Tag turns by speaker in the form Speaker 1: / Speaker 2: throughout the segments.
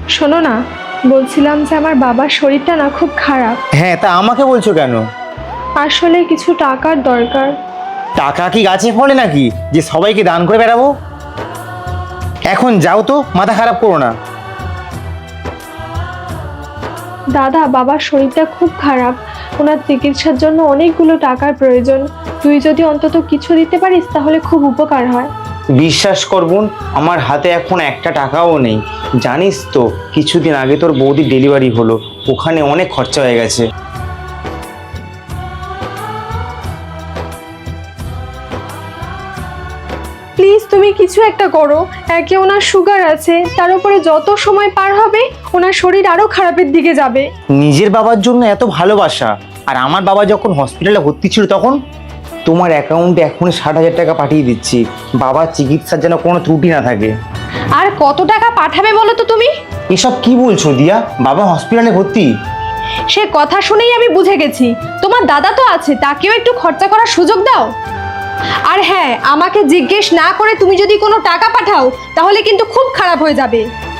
Speaker 1: শোনো না, বলছিলাম যে আমার বাবার শরীরটা না খুব খারাপ।
Speaker 2: হ্যাঁ, তা আমাকে বলছো কেন?
Speaker 1: আসলে কিছু টাকার দরকার।
Speaker 2: টাকা কি গাছে ফলে নাকি যে সবাইকে দান করে বেড়াবো? এখন যাও তো, মাথা খারাপ করো না।
Speaker 1: দাদা, বাবার শরীরটা খুব খারাপ, ওনার চিকিৎসার জন্য অনেকগুলো টাকার প্রয়োজন। তুই যদি অন্তত কিছু দিতে পারিস তাহলে খুব উপকার হয়।
Speaker 2: বিশ্বাস কর বোন, আমার হাতে এখন একটা টাকাও নেই। জানিস তো, কিছুদিন আগে তোর বৌদির ডেলিভারি হলো, ওখানে অনেক খরচা হয়ে গেছে।
Speaker 1: প্লিজ তুমি কিছু একটা করো। একে ওনার সুগার আছে, তার উপরে যত সময় পার হবে ওনার শরীর আরো খারাপের দিকে যাবে।
Speaker 2: নিজের বাবার জন্য এত ভালোবাসা, আর আমার বাবা যখন হসপিটালে ভর্তি ছিল তখন। তোমার অ্যাকাউন্টে এখনই 60,000 টাকা পাঠিয়ে দিচ্ছি, বাবার চিকিৎসার যেন কোনো ত্রুটি না থাকে।
Speaker 1: আর কত টাকা পাঠাবে বলো তো তুমি?
Speaker 2: এসব কি বলছো দিয়া? বাবা হসপিটালে ভর্তি?
Speaker 1: সে কথা শুনেই আমি বুঝে গেছি, তোমার দাদা তো আছে, তাকেও একটু খরচা করার সুযোগ দাও। আর হ্যাঁ, আমাকে জিজ্ঞেস না করে তুমি যদি কোনো টাকা পাঠাও তাহলে কিন্তু খুব খারাপ হয়ে যাবে।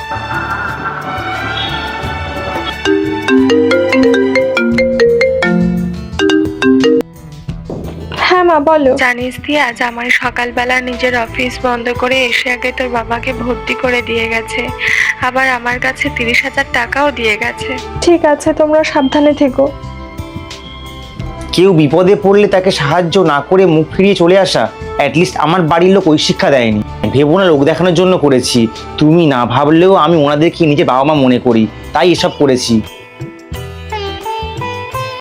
Speaker 1: হ্যাঁ মা, বলো।
Speaker 3: জানিস দিয়া, জামাই সকালবেলা নিজের অফিস বন্ধ করে এসে আগে তোর বাবাকে ভর্তি করে দিয়ে গেছে, আবার আমার কাছে 30,000 টাকাও দিয়ে গেছে।
Speaker 1: ঠিক আছে, তোমরা সাবধানে থেকো।
Speaker 2: কেউ বিপদে পড়লে তাকে সাহায্য না করে মুখ ফিরিয়ে চলে আসা, অ্যাটলিস্ট আমার বাড়ির লোক ওই শিক্ষা দেয়নি। ভেবো না লোক দেখানোর জন্য করেছি, তুমি না ভাবলেও আমি ওনাদেরকে নিজে বাবা মা মনে করি, তাই এসব করেছি।